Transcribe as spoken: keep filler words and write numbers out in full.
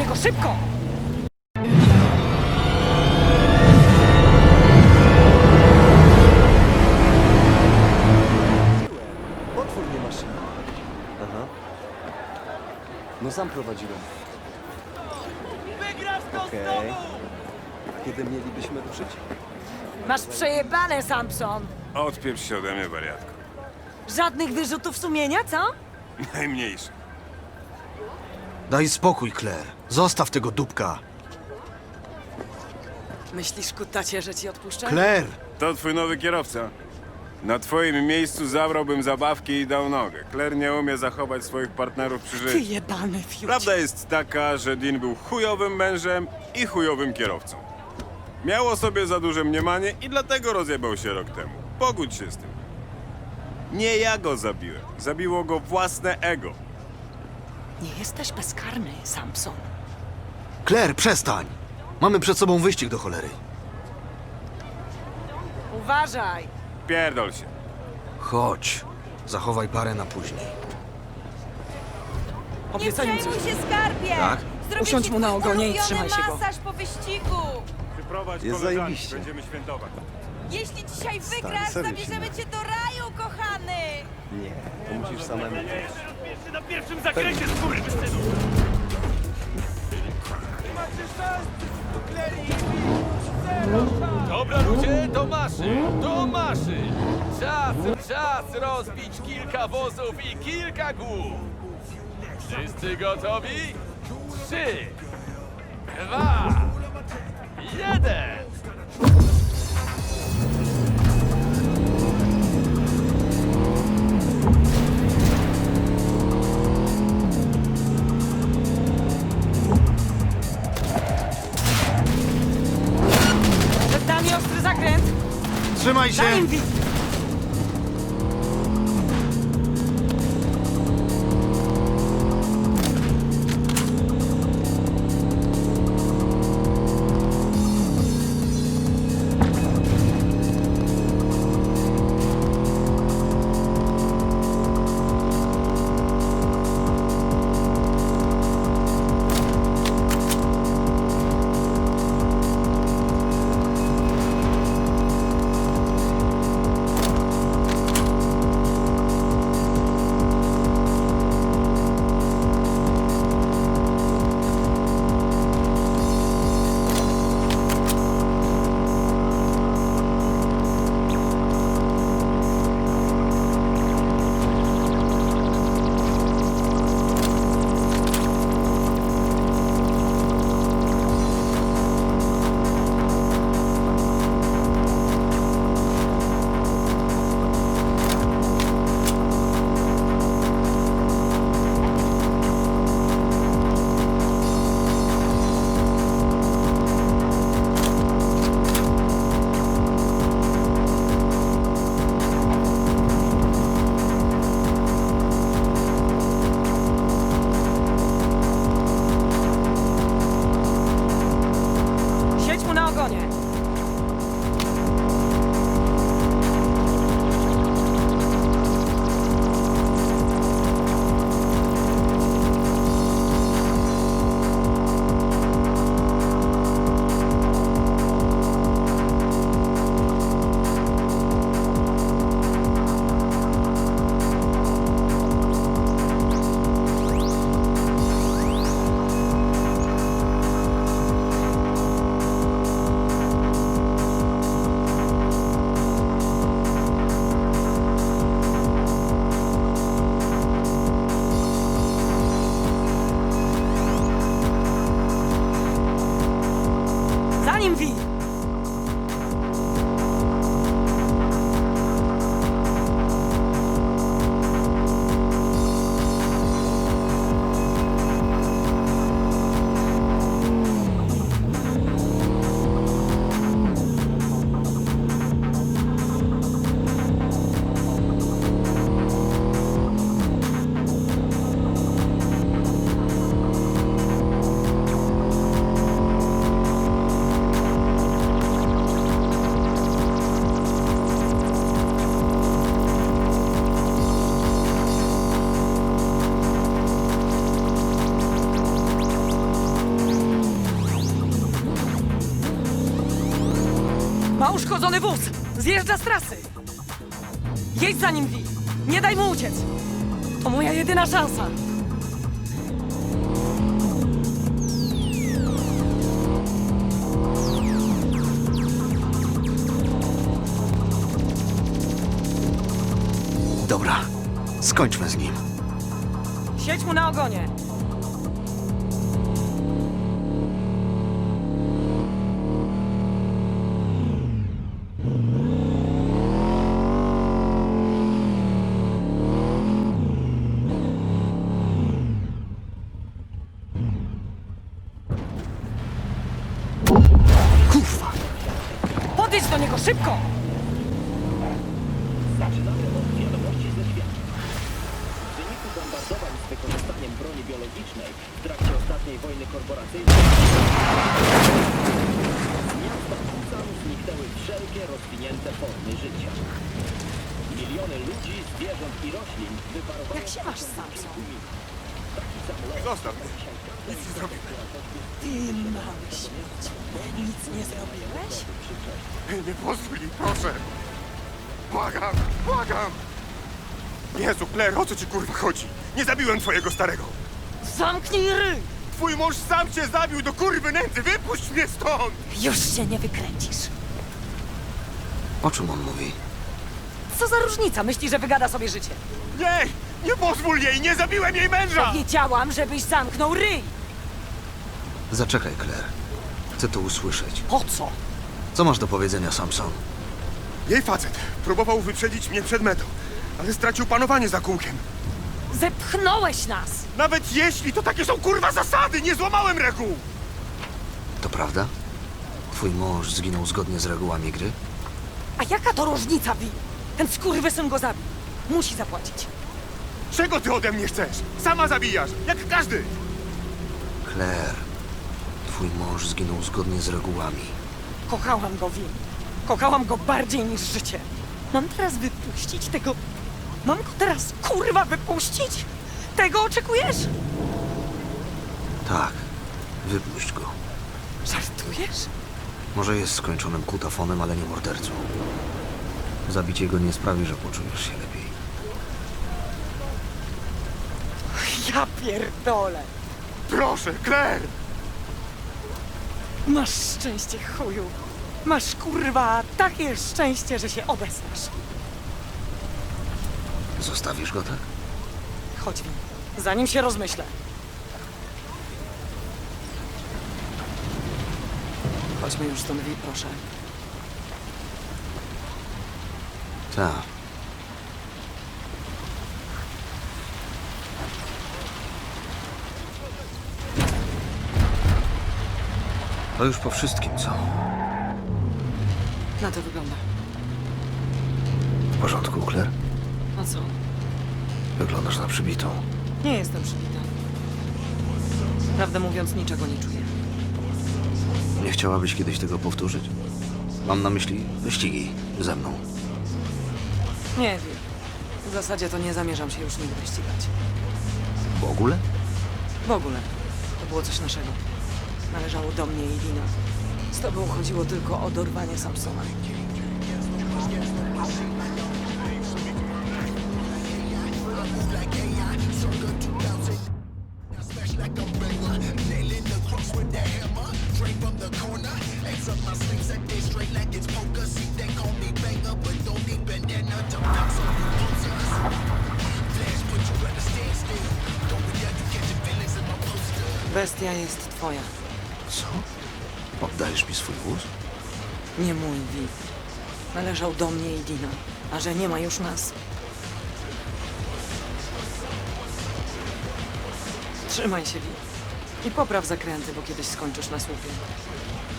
niego, szybko! Otwór nie maszyny. Aha. No sam prowadziłem. Wygrasz to Okej. znowu! A kiedy mielibyśmy ruszyć? Masz przejebane, Samson! Odpieprz się ode mnie, wariatko. Żadnych wyrzutów sumienia, co? Najmniejszy. Daj spokój, Claire. Zostaw tego dupka. Myślisz, kutacie, że ci odpuszczę? Claire! To twój nowy kierowca. Na twoim miejscu zabrałbym zabawki i dał nogę. Claire nie umie zachować swoich partnerów przy Ty życiu. jebany fiut. Prawda jest taka, że Dean był chujowym mężem i chujowym kierowcą. Miał o sobie za duże mniemanie i dlatego rozjebał się rok temu. Pogódź się z tym. Nie ja go zabiłem. Zabiło go własne ego. Nie jesteś bezkarny, Samson. Claire, przestań! Mamy przed sobą wyścig do cholery. Uważaj! Pierdol się. Chodź. Zachowaj parę na później. Nie Obiecaj mi przejmuj coś. się, skarbie! Tak? Zrobię Usiądź ci mu na twój ogonie i ulubiony trzymaj się go. masaż po wyścigu! Przyprowadź Jest koleżanki, zajebiście. będziemy świętować. Jeśli dzisiaj wygrasz, serio się zabierzemy da. cię do raju, kochany! Nie, to musisz samemu. Pierwszy na pierwszym zakręcie, skurwysynu! Dobra ludzie, do maszyn, do maszyn! Czas, czas rozbić kilka wozów i kilka głów! Wszyscy gotowi? Trzy, dwa, jeden! Przed nami ostry zakręt! Trzymaj się! Daj im wi- Ma uszkodzony wóz! Zjeżdża z trasy! Jedź za nim, Vi! Nie daj mu uciec! To moja jedyna szansa! Dobra, skończmy z nim. Siedź mu na ogonie! Kurwa! Podejdź do niego szybko! Zaczynamy od wiadomości ze świata. W wyniku bombardowań z wykorzystaniem broni biologicznej w trakcie ostatniej wojny korporacyjnej z miasta Busan zniknęły wszelkie rozwinięte formy życia. Miliony ludzi, zwierząt i roślin wyparowały... Jak się masz, Samson? Zostaw mnie. Nic nie zrobię. Ty mały śmieć. Nic nie zrobiłeś? Nie pozwól mi, proszę. Błagam, błagam. Jezu, Claire, o co ci kurwa chodzi? Nie zabiłem twojego starego. Zamknij ryj! Twój mąż sam cię zabił do kurwy nędzy. Wypuść mnie stąd! Już się nie wykręcisz. O czym on mówi? Co za różnica? Myśli, że wygada sobie życie. Nie! Nie pozwól jej! Nie zabiłem jej męża! Wiedziałam, żebyś zamknął ryj! Zaczekaj, Claire. Chcę to usłyszeć. Po co? Co masz do powiedzenia, Samson? Jej facet próbował wyprzedzić mnie przed metą, ale stracił panowanie za kółkiem. Zepchnąłeś nas! Nawet jeśli to takie są kurwa zasady, nie złamałem reguł! To prawda? Twój mąż zginął zgodnie z regułami gry? A jaka to różnica, Vi? Ten skurwysyn go zabił. Musi zapłacić. Czego ty ode mnie chcesz? Sama zabijasz, jak każdy! Claire, twój mąż zginął zgodnie z regułami. Kochałam go, Vi. Kochałam go bardziej niż życie. Mam teraz wypuścić tego... Mam go teraz, kurwa, wypuścić? Tego oczekujesz? Tak, wypuść go. Żartujesz? Może jest skończonym kutafonem, ale nie mordercą. Zabicie go nie sprawi, że poczujesz się lepiej. Ja pierdolę. Proszę, Claire! Masz szczęście, chuju. Masz, kurwa, takie szczęście, że się obesrasz. Zostawisz go tak? Chodź, Vi. Zanim się rozmyślę. Chodźmy już stąd, Vi, proszę. Tak. To już po wszystkim, co? Na to wygląda. W porządku, Claire? A co? Wyglądasz na przybitą. Nie jestem przybita. Prawdę mówiąc, niczego nie czuję. Nie chciałabyś kiedyś tego powtórzyć? Mam na myśli wyścigi ze mną. Nie wiem. W zasadzie to nie zamierzam się już nigdy ścigać. W ogóle? W ogóle. To było coś naszego. Należało do mnie i Dina. Z tobą chodziło tylko o dorwanie Samsona. Bestia jest twoja. Co? Oddajesz mi swój wóz? Nie mój, Vi. Należał do mnie i Dina. A że nie ma już nas... Trzymaj się, Vi. I popraw zakręty, bo kiedyś skończysz na słupie.